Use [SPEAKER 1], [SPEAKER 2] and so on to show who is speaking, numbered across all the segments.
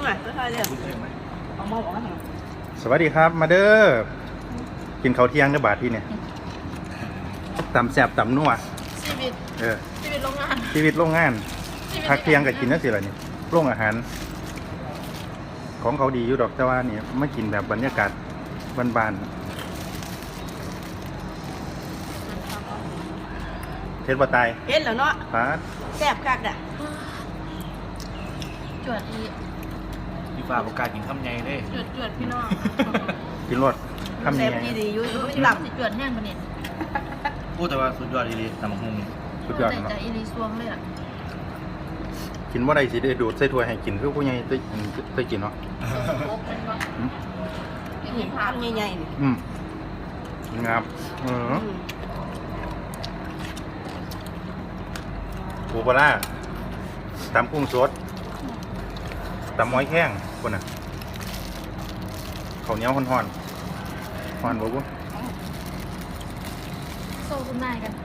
[SPEAKER 1] น่อยก็ค่อยเรียกเอามาบอกว่า
[SPEAKER 2] สวัสดีครับมาเด้อกินข้าวเที่ยงกับบาทที่เนี่ยตำแซ่บตำนัว
[SPEAKER 3] ชีวิตโรงงาน
[SPEAKER 2] ชีวิตโรงงานพักเที่ยงกับกินนั่นสิล่ะนี่โรงอาหาร ของเขาดีอยู่ดอกแต่ว่าเนี่ยไม่กินแบบบรรยากาศบ้านๆเทศบาตาย
[SPEAKER 1] เห็นแล้วเนาะ
[SPEAKER 2] ฟาด
[SPEAKER 1] แซ่บคักอ่ะ
[SPEAKER 3] จวดอี
[SPEAKER 4] ดีกว่าประกาศกินคำใหญ่เลย
[SPEAKER 3] จวดพี่น้อง
[SPEAKER 2] กินรสคำ
[SPEAKER 1] แซ่
[SPEAKER 2] นี้
[SPEAKER 1] บดีอยู่
[SPEAKER 3] ห
[SPEAKER 1] ห
[SPEAKER 3] ลั
[SPEAKER 1] ลั
[SPEAKER 3] บบ สิจวดแห้งปะเนี่ย
[SPEAKER 4] พูดแต่ว่าสุดยอดดีๆตำบักหุ่ง
[SPEAKER 2] สุดยอด
[SPEAKER 3] ใจ
[SPEAKER 2] เนาะ
[SPEAKER 3] อีรีซวงเลยอ่ะ
[SPEAKER 2] กินว่าได้สิได้ดูดใส่ถ้วยให้กินคือผู้ใหญ่เคยกินเนาะ
[SPEAKER 3] โป๊กเป็นว่า
[SPEAKER 1] นี่ทำใหญ่ๆนี่
[SPEAKER 2] งับปูปลาร้าตำกุ้งสดตำม้อยแข้งคนน่ะข้าวเหนียวห่อนๆห่อนบ่บุ
[SPEAKER 3] โซ่คุณนายกัน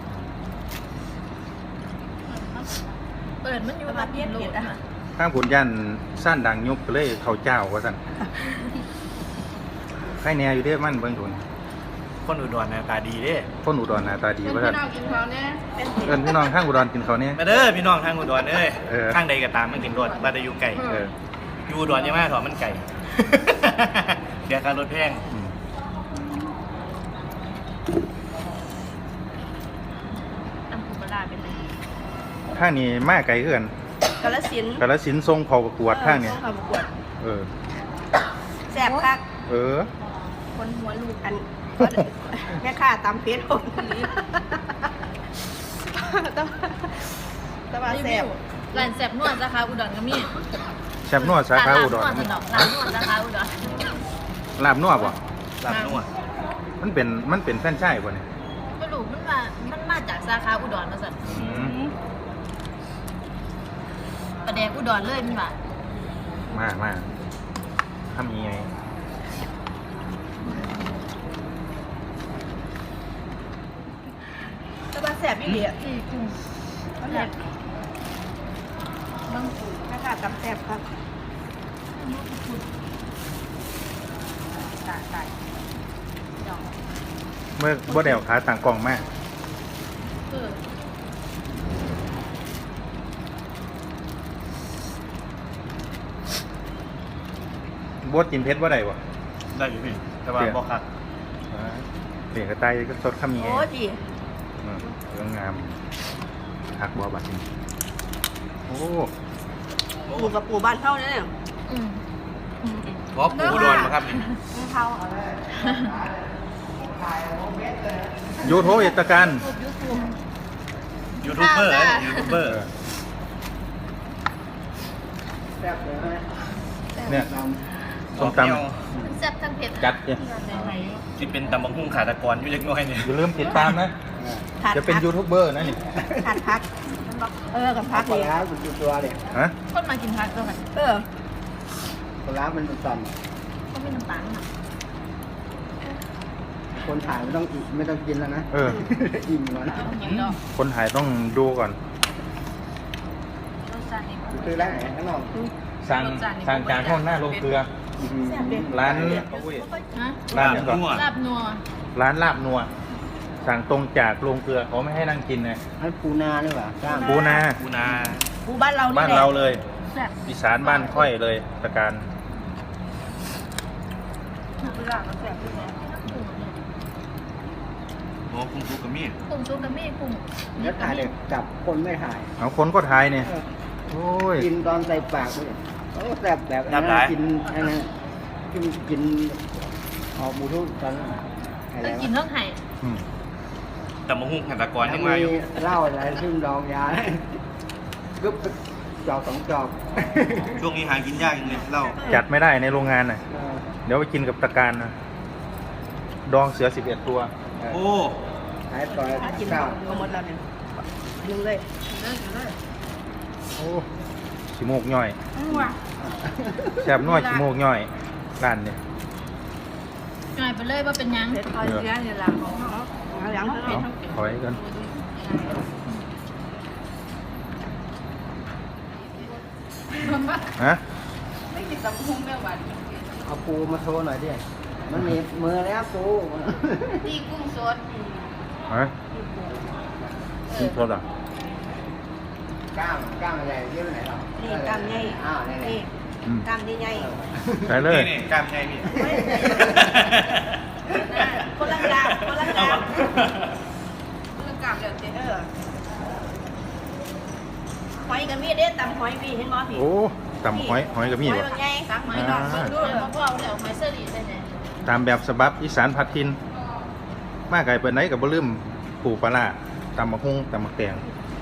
[SPEAKER 3] เปิดมันอยู่แบบเย็นโหลดอ่ะ
[SPEAKER 2] ข้างผลยันสั้นดังยุบก็เลยข้าวเจ้าว่าสั่นใครแน่อยู่เด้มันเบิ่งทุน
[SPEAKER 4] คนอุดรหน้าตาดีเด้
[SPEAKER 2] คนอุดรหน้าตาดีว่าสั่น
[SPEAKER 3] กินเขาเนี่ย
[SPEAKER 2] เอิ้นพี่น้องข้างอุดรกินข้าวเนี่ย
[SPEAKER 4] มาเด้อพี่น้องทางอุดรเอ้ย
[SPEAKER 2] เออ
[SPEAKER 4] ข้างใดก็ตามมันกินรถบ้านใดอยู่ไก่ อยู่อุดรยังไม่ถอดมันไก่ เดี๋ยวการรถแพง
[SPEAKER 3] ตำปูปลาเป็นเลย
[SPEAKER 2] ข้างนี้มาไกลเกิน
[SPEAKER 1] กาฬสินธุ์
[SPEAKER 2] กาฬสินธุ์ทรงเขาประกวดข้างนี้
[SPEAKER 1] เข้าประกวด
[SPEAKER 2] เออ
[SPEAKER 1] แซ่บคัก
[SPEAKER 2] เออ
[SPEAKER 3] คนหัวลูก
[SPEAKER 1] อันแม่ค้าตำเพชรผมนี้แต่ว่าแซ่บ
[SPEAKER 3] ร้านแซ่บนวดสาขาอุดรก็มี
[SPEAKER 2] แซ่บนัวสาขาอุดร
[SPEAKER 3] ร้านนวดสนอกร้านนวดสาขาอุดร
[SPEAKER 2] ลาบนัวบ่
[SPEAKER 4] ลาบนัว
[SPEAKER 2] มันเป็นแฟรนไชส์บ่เนี่ย
[SPEAKER 3] ไม่รู้มันมาจากสาขาอุดรมาสั่น ประแดกอุดรเลยมันว่า
[SPEAKER 2] มาทำยังไง
[SPEAKER 1] แต่ว่าแซ่บอีหลีอ่ะ
[SPEAKER 3] ที่กุ้ง
[SPEAKER 1] แซ่บแม่ค้าตำแซ่บครับตาย
[SPEAKER 2] เมื่อบ่ได้เอาขาต่างกล่องมา
[SPEAKER 3] เออบ
[SPEAKER 2] ดกินเพชรบ่ได้บ่
[SPEAKER 4] ได้อยู่พี่ แต่ว่าบอกคัก
[SPEAKER 2] เปลี่ยนกระต่ายก็สดคำยังไง
[SPEAKER 1] โอ้ดี
[SPEAKER 2] เรื่องงามหักบ่บัดนี้โอ้
[SPEAKER 1] ปูกับปูบ้านเท่าเนี่ย
[SPEAKER 3] อืม
[SPEAKER 4] เพราะปูอุดรมาครับนี่
[SPEAKER 1] เท่า
[SPEAKER 2] ยูทูบเอตการ
[SPEAKER 4] ยูทูบเบอร์ยูทูบเบอร์
[SPEAKER 2] เนี่ยส้มต
[SPEAKER 3] แซ่บทั้งเผ็ด
[SPEAKER 2] ำจัดเนี่ย
[SPEAKER 4] ที่เป็นตำบักหุ่งขาตะกอนอยู่เล็กน้อยเนี่ย
[SPEAKER 2] อย่าลืมติดตามนะ จะเป็นยูทูบเบอร์นะนี่
[SPEAKER 1] ขาดพักกับพัก
[SPEAKER 5] ปลา
[SPEAKER 1] เลย
[SPEAKER 5] ร้าเป็นตัวเด็ก
[SPEAKER 2] ฮะ
[SPEAKER 3] คนมากินผักด้วยกัน
[SPEAKER 5] ปลาร้ามันสั่น
[SPEAKER 3] ก็ไม่น้ำตาลอ่ะ
[SPEAKER 5] คนถ่ายไม่ต้องไม่ต้องกินแล้วนะ
[SPEAKER 2] เออ
[SPEAKER 5] อิ่มก่อน
[SPEAKER 3] เอาอย่างเดียว
[SPEAKER 2] คนถ่ายต้องดูก่อน
[SPEAKER 3] รสชาตินี่
[SPEAKER 5] ซื้อร้านไหนข้างนอก
[SPEAKER 2] สั่งจานห้องหน้าลงเกลือ ร้าน
[SPEAKER 3] ฮะ
[SPEAKER 2] ร้านเนี่ยก่อน
[SPEAKER 4] นัว
[SPEAKER 3] ลาบนัว
[SPEAKER 2] ร้านลาบนัว สั่งตรงจากโรงเกลือเขาไม่ให้นั่งกินนะ
[SPEAKER 5] ให้ปูนาหรือเปล่ากล้าม
[SPEAKER 2] ปูนา
[SPEAKER 4] ปูนา
[SPEAKER 1] ปูบ้านเรานี่
[SPEAKER 2] บ้าน
[SPEAKER 1] แหละ
[SPEAKER 2] เราเลย
[SPEAKER 3] แซ่บ
[SPEAKER 2] อีสานบ้านค่อยเลยตะการ
[SPEAKER 1] ปูบ้านเราแซ่บ
[SPEAKER 4] โอ้กุ้งซุปกับมีด
[SPEAKER 3] กุ้งซุปกับมี่กุ้ง
[SPEAKER 5] แล้วถ่ายเด็กจับคนไม่ถ่าย
[SPEAKER 2] เอาคนก็ถ่ายเนี่ยโอ้ย
[SPEAKER 5] กินตอนใส่ปากเลยโอ้แสบแบบนั้นกินอันนั้นกินออกบูทูธตอนอะไร
[SPEAKER 3] ต้องกิน
[SPEAKER 5] วะ
[SPEAKER 3] เรื่องไห่
[SPEAKER 2] อืม
[SPEAKER 4] ตำบักหุ่งขาตะกอนยังมาอยู่
[SPEAKER 5] เหล้าอะไรซึ่งดองยาก็จอกสองจอก
[SPEAKER 4] ช่วงนี้หากินยากจริงเลยเหล้า
[SPEAKER 2] จัดไม่ได้ในโรงงานน่ะ เดี๋ยวไปกินกับตะการนะดองเสือ11 ตัว
[SPEAKER 4] โอ้
[SPEAKER 5] ขายต่อย
[SPEAKER 1] กิน
[SPEAKER 5] ข้าว
[SPEAKER 1] ก็หมดแล้วเนี่ยนึงเลย
[SPEAKER 2] โอ้ชิโมกย่อยแซ่บน้อยชิโมกย่อยร้านเนี่ย
[SPEAKER 3] ง่ายไปเลยว่าเป็นยัง
[SPEAKER 1] เพชรคอยเลี้ยงเนี่ยหลังของเขาหลัง
[SPEAKER 2] เอาถอยกันฮะ
[SPEAKER 1] ไม่กินตำพุงแม่หวาน
[SPEAKER 5] เอาปูมาโชว์หน่อยดิมันมีมือแล้วปู
[SPEAKER 1] นี่กุ้งสด
[SPEAKER 2] เฮ้ยกินโทษอ่ะ
[SPEAKER 5] ก้างอะไรที่ไหนหรอ
[SPEAKER 1] นี่กำใหญ่
[SPEAKER 5] อ้าวนี่
[SPEAKER 1] นี่กำใหญ่
[SPEAKER 2] ใส่เลย
[SPEAKER 4] นี่กล้ามใหญ่พี่
[SPEAKER 1] คนละกามคนละ
[SPEAKER 4] เอา
[SPEAKER 1] กาม
[SPEAKER 4] วะ
[SPEAKER 1] คนละกามเดี๋ยวเจ๊หอยกับมีเด็ดตำหอยพี่เห็นบ่พี่
[SPEAKER 2] โอ้ตำหอยกับมี
[SPEAKER 1] หอย
[SPEAKER 2] วะ
[SPEAKER 1] บางไงตักหอยดอกเบิ่งดู
[SPEAKER 3] เดี๋ยวมาพ่อเดี๋ยวหอยเสรีได้ไหน
[SPEAKER 2] ตามแบบฉบับอีสานพัดทินมาไก่ไปไหนกับบ่ลืมปูปลาร้าตำมะฮุ่งตำมะแตง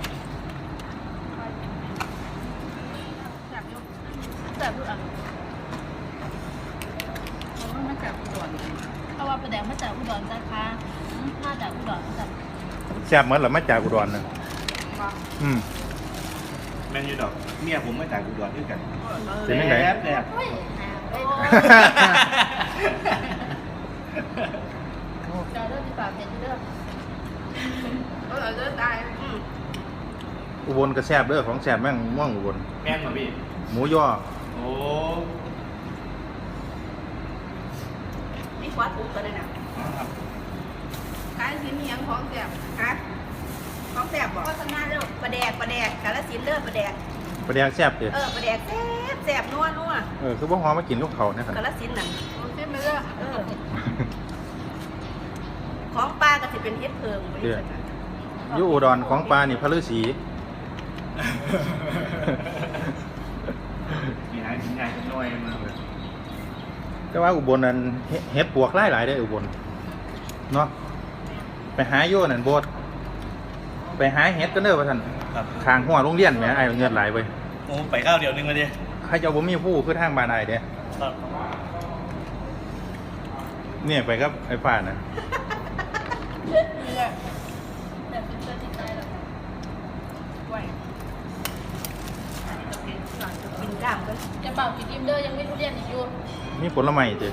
[SPEAKER 3] แต่ดูอ่ะมาจากอุดรเพราะว่าประเดี๋ยวมาจากอุดรนะคะมาจากอุดรมาจาก
[SPEAKER 2] แซ่บเหมือนหรือมาจากอุดรนะอืม
[SPEAKER 4] แมนยูดอกเมียผมมาจากอุดรด้วยกัน
[SPEAKER 2] เป็นยังไง
[SPEAKER 4] แซ่บแซ่บ
[SPEAKER 3] เฮ้ยไปเดี๋ยวเรื่องที่ฝากเป็นเรื่อง
[SPEAKER 1] เดินตาย
[SPEAKER 2] อุบลก็แซ่บเด้อของแซ่บแม่งม่วงอุบล
[SPEAKER 4] แม่นเหรอพี่
[SPEAKER 2] หมูย่อ
[SPEAKER 4] โอ้
[SPEAKER 1] นี่ควาทุกกันเลยนะ
[SPEAKER 4] ครับ
[SPEAKER 1] กาลสินธุ์ยังของแสบฮะของแสบบอกว่าทำงานเด้อปลาแดกกาลสินธุ์เด้อปลาแดก
[SPEAKER 2] ปลาแดกแซ่บเด้อ
[SPEAKER 1] ปลาแดกแสบนัว
[SPEAKER 2] คือบ่ฮอมากินกับเขาวนะครับ
[SPEAKER 1] กาลสินธุ์น่ะใช่ไหมล่ะของปลาก็สิเป็นเฮ็ดเพิงไป
[SPEAKER 2] อยู่อุดรของปลานี่พระฤาษี
[SPEAKER 4] มีหายถึงใหญ่น้อยมา
[SPEAKER 2] แต่ว่าอุบลนั้นเฮ็ดปวกหลายๆได้ออุบลเนาะไปหาโยนั่นโบดไปหาเฮ็ดกันเด้อว่าซั่น
[SPEAKER 4] ครับ
[SPEAKER 2] ทางหัวโรงเรียนแหมไอ้เงินหลายเว้ย
[SPEAKER 4] โอ้ไปข้าวเดียวนึงมาดิ
[SPEAKER 2] ใครจะบ่มีผู้คือทางบ้านอ้ายเด้
[SPEAKER 4] ครับ
[SPEAKER 2] เนี่ยไปกับไอ้ฟ้าน่ะ
[SPEAKER 3] แต่เป็นเรื่องที่ใจหรอก
[SPEAKER 1] กินกล้ามกัน
[SPEAKER 3] จะเป่ากินอิ่มเด้อยังไม่ทุเรียนอีกอยู่
[SPEAKER 2] มีผลไม้เด้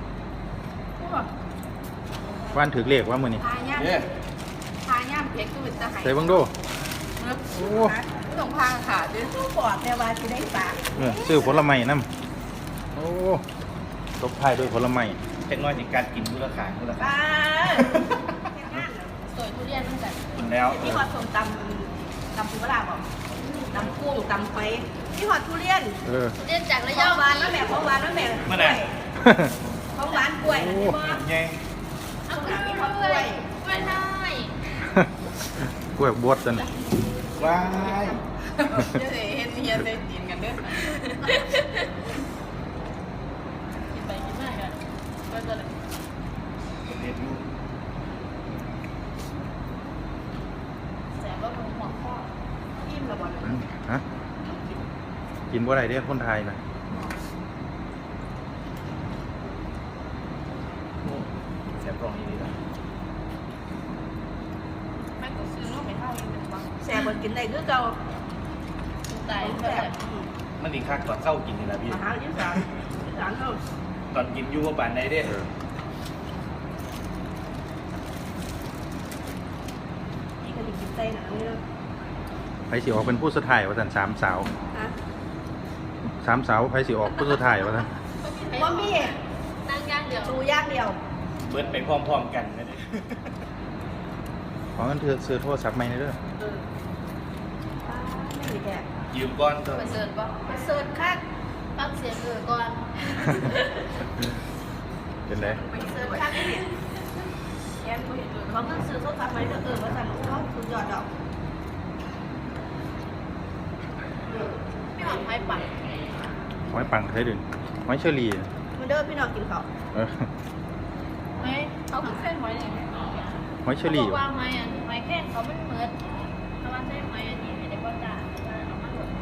[SPEAKER 2] ว่านถึกเลขว่ามื้อนี้
[SPEAKER 1] ทาย่าม
[SPEAKER 4] เนี่ย
[SPEAKER 1] ทาย่ามเพชรก็เป็นตะไห้
[SPEAKER 2] ใส่เบิ่งดู โอ้
[SPEAKER 1] ต้องพาขาดด้วยสู้ปอดแม่ว่าสิได้ปาก
[SPEAKER 2] ซื้อผลไม้นำโอ้ตบท้ายด้วยผลไม้
[SPEAKER 4] เทคโนโลยีการกินมูลค่ามูลค่า
[SPEAKER 1] ป้า
[SPEAKER 3] สวยทุเรียนตั้งแต่
[SPEAKER 4] กินแล้ว
[SPEAKER 1] มีหอดส้มตำปูปลาบอกตำกุ้งตำไฟมีหอดทุเรียน
[SPEAKER 3] ทุเรียนจากระ
[SPEAKER 1] ข
[SPEAKER 3] ย
[SPEAKER 1] อ
[SPEAKER 3] อง ง
[SPEAKER 1] หวานแล้วแม่ของหวานแล้วแม่
[SPEAKER 4] เมื่อไหร่
[SPEAKER 1] ของหวานกล้วยนะพี่บอส
[SPEAKER 4] ไง
[SPEAKER 3] เอากล้วยไม่ได้
[SPEAKER 2] กล้วยบวชจัน
[SPEAKER 4] ว้าย
[SPEAKER 1] จะได้เห็นเฮียได้กินกันเด้อ
[SPEAKER 3] กินไปกินมากันก็จะ
[SPEAKER 4] เด็ดลูก
[SPEAKER 3] แสบว่าเป็นหัวข้อ
[SPEAKER 1] อิ่มและบ่
[SPEAKER 2] ฮะกินบ่ได้เด้คนไทยน่ะ
[SPEAKER 4] เสียบรองดีๆนะ
[SPEAKER 1] แม่ก็ซื้อลูกไปเท่านี้เป็นบ้างแซ่บบ่กินได้คือเก่า
[SPEAKER 3] ตาย
[SPEAKER 1] แซ่
[SPEAKER 3] แบบ
[SPEAKER 1] บ
[SPEAKER 4] มันอีกคักก่อนเข้ากินนี่แหละพี่
[SPEAKER 1] อาหารอีสานอีสานเฮา
[SPEAKER 4] ตอนกินอยูว่าปานใดเด้
[SPEAKER 1] นี่ก็สิกินไส้หนังนี่เนาะ
[SPEAKER 2] ไผสิออกเป็นผู้สุดท้ายว่าซั่น3 สาว
[SPEAKER 1] ฮะ
[SPEAKER 2] 3 สาวไผสิออกผู้สุดท้ายว่าซั่น
[SPEAKER 1] บ่มี
[SPEAKER 3] นั่งย่างเดียว
[SPEAKER 1] ดูย่างเดียว
[SPEAKER 4] เบิดไปพร้อมๆกันนะเด้
[SPEAKER 2] ขอเงินเธอซื้อโทรศัพท์ใหม่หน่อยเด้อ
[SPEAKER 1] ไม่มีแท้
[SPEAKER 4] ยืมก้อนเถ
[SPEAKER 3] ไป
[SPEAKER 4] อะ
[SPEAKER 3] เสิร์ฟป่ะ
[SPEAKER 1] ไปเสิร์ชคัก
[SPEAKER 3] ฟังเสียงก่อน
[SPEAKER 2] เป็นได
[SPEAKER 1] ไปเสิร์ชคักเนี่ยแกนบ่เห็นเลยเขาก็ซื้อโทรศัพท์ใหม่เด้อว่าซั่นเขาสุดยอดดอก
[SPEAKER 3] ไม่หอมไผ่ปั่น
[SPEAKER 2] หอยปังไทยดึงหอยเชอรี่
[SPEAKER 1] มาเด้อพี่น้องกินข้าว
[SPEAKER 2] เออ
[SPEAKER 3] ไม่เขาคือเส้นหอยเลย
[SPEAKER 2] หอยเชอรี่
[SPEAKER 3] ว่าไม้อันไม้แข้งเขาไม่เหมือนถ้าว่าเส้นไม้อันนี้ไม่ได้ก็จ่าเอามาหมด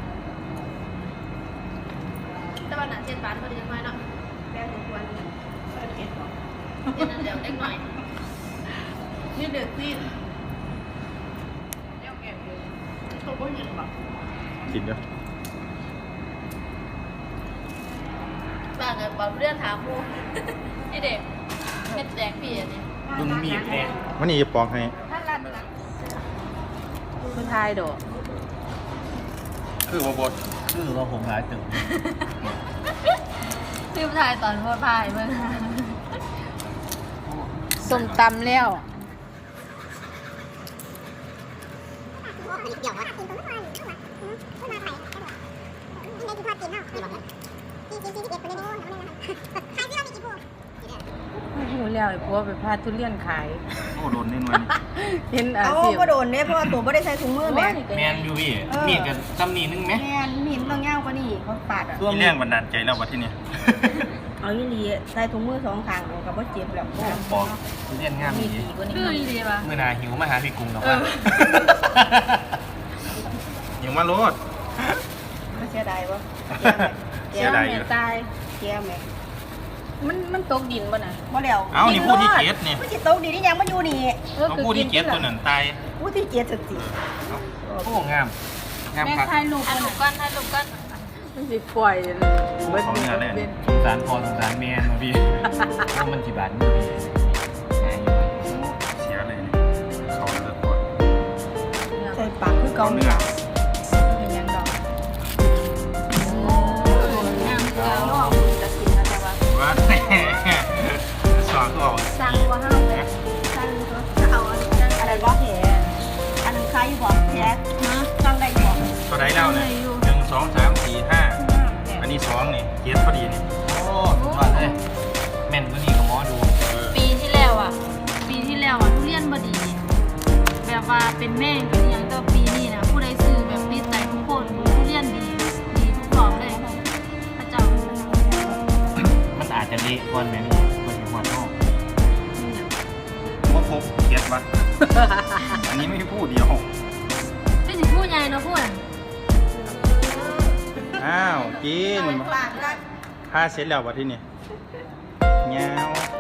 [SPEAKER 3] แต่ว่าหนังเส้นบานก็ดีมากเนาะ
[SPEAKER 1] แป้งทุกวันเปิดเก็บของ
[SPEAKER 3] เส้นนั้นเดี๋ยวเล็กหน่อย
[SPEAKER 1] นี่เดือดซีดเดี๋ยวแกะเลยเขาบ่เห็นบ่
[SPEAKER 2] กินเด้อ
[SPEAKER 3] บ้างอะบอกเรื่องถามมูไอเด็กเม็ดแดงพี่อันนี้
[SPEAKER 4] ลุงมีดเนี่ย
[SPEAKER 2] วันนี้จะปอกให้
[SPEAKER 1] ถ้ารัดนะ
[SPEAKER 3] คุณทายโดด
[SPEAKER 2] คือบ่บด
[SPEAKER 4] คือว่าผมหลายตึง
[SPEAKER 3] ลืมทายตอนโพดพายเบิ่ง
[SPEAKER 1] ส้มตำแล้ว หูแล้วไอ้พวกไปพาทุเรียนขาย
[SPEAKER 2] โอ้โดนแน่นอน
[SPEAKER 1] เห็นอาชีพก็โดนเนี่ยเพราะว่าตัวไม่ได้ใส่ถุงมือแม่
[SPEAKER 4] แมนอยู่พี่มีดกันจำนี่นึงไหม
[SPEAKER 1] แม่มีมันต้องย่างกว่านี่เขาปาดอ่ะ
[SPEAKER 2] มีแรงบันดาลใจแล้ววะที่นี่
[SPEAKER 1] เอาอีหลีใส่ถุงมือสองข้างเอากับว่าเจ็บแล้ว
[SPEAKER 4] บอกทุเรียนงาม
[SPEAKER 1] มี
[SPEAKER 4] ดี
[SPEAKER 1] ดีกว่านี้
[SPEAKER 3] คือดีป่ะ
[SPEAKER 4] เมื่อนาหิวมาหาพี่กุ้งกับว่า
[SPEAKER 2] ยังมาโลด
[SPEAKER 1] ไม่เสียดายวะ
[SPEAKER 2] เสียดายอยู่
[SPEAKER 1] ตายเกียแม่
[SPEAKER 3] มันตกดินป่ะน่ะ
[SPEAKER 1] บ่แล้ว
[SPEAKER 2] เอ้านี่ผู้ที่เกียรตินี่
[SPEAKER 1] ผู้ที่ตกดีนี่ยังมาอยู่นี่
[SPEAKER 2] เขาพูดที่เกียรติตัวนั้นตาย
[SPEAKER 1] ผู้ที่เกียรติสติ
[SPEAKER 4] โอ้งามงาม
[SPEAKER 1] แม่
[SPEAKER 4] ครับ
[SPEAKER 1] ถ่ายรูป
[SPEAKER 3] ถ่ายรูปก่อนถ่ายรูปก่อน
[SPEAKER 1] มันสิปล่อย
[SPEAKER 2] เขาเนื้อเลย
[SPEAKER 4] สงสารพอสงสารแมนมาพี่ว่ามันกี่บาทมาพี่หาอยู่
[SPEAKER 2] เสียเลยนี่เขาเลิกก่อน
[SPEAKER 1] ใส่ปากคือ
[SPEAKER 2] เขา
[SPEAKER 1] เกา
[SPEAKER 2] เนื้อ
[SPEAKER 1] เป็นยังดอก
[SPEAKER 3] งาม
[SPEAKER 1] เกา
[SPEAKER 3] เก่า
[SPEAKER 1] ลอกจะกินนะแต่ว่า
[SPEAKER 2] ว่าสอนก็เอา
[SPEAKER 1] สั่งว่าห้าสั่งก็เอาอะไรบ่แผลอันนั้นใครบ่แผลสั่งได้บ่
[SPEAKER 2] ตัวไหนแล้วเนี่ย1 2 3 4 5อันนี้2นี่เกียรติพอดีนี่
[SPEAKER 4] โอ้ว่าเลยแม่นกว่านี้กับหมอดู
[SPEAKER 3] ปีที่แล้วอ่ะทุเรียนบ่ดี แบบว่าเป็นแม่งเป็นอย่างแต่ปีนี้นะผู้ใดซื้อแบบปีไตทุกคนทุเรียนดีทุกรอบเลยพระเจ้า
[SPEAKER 4] มันอาจจะเละก่อนแม่นี่คนที่หัวโต
[SPEAKER 2] พวกพบเกียรติวะอันนี้ไม่พูดเดียว
[SPEAKER 3] ไม่สิพูดใหญ่เนาะพูดอะ
[SPEAKER 2] อ้าวกิน
[SPEAKER 1] กลางกัน
[SPEAKER 2] ผ้าเสร็จแล้ววะที่นี่เงา